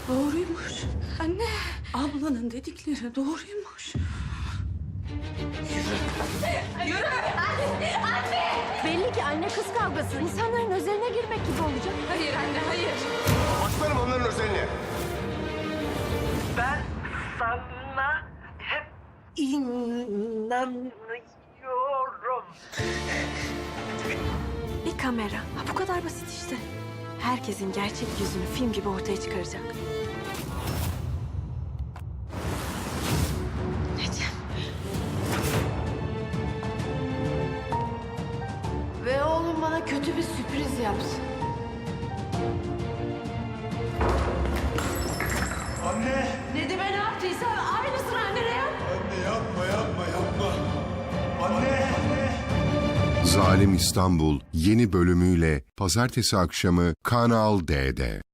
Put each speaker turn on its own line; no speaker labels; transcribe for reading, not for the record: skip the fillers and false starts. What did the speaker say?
Doğruymuş. Anne. Ablanın dedikleri doğruymuş. Yürü. Anne.
Belli ki anne kız kavgası. İnsanların özeline girmek gibi olacak.
Hayır anne, hayır.
Başlarım onların özeline.
Ben sana hep inanıyorum.
Bir kamera. Ha, bu kadar basit işte. Herkesin gerçek yüzünü film gibi ortaya çıkaracak. Necem. Ve oğlum bana kötü bir sürpriz yapsın.
Anne!
Nedim'e ne yaptıysa aynısını annene yap.
Anne yapma, yapma, yapma. Anne!
Zalim İstanbul yeni bölümüyle pazartesi akşamı Kanal D'de.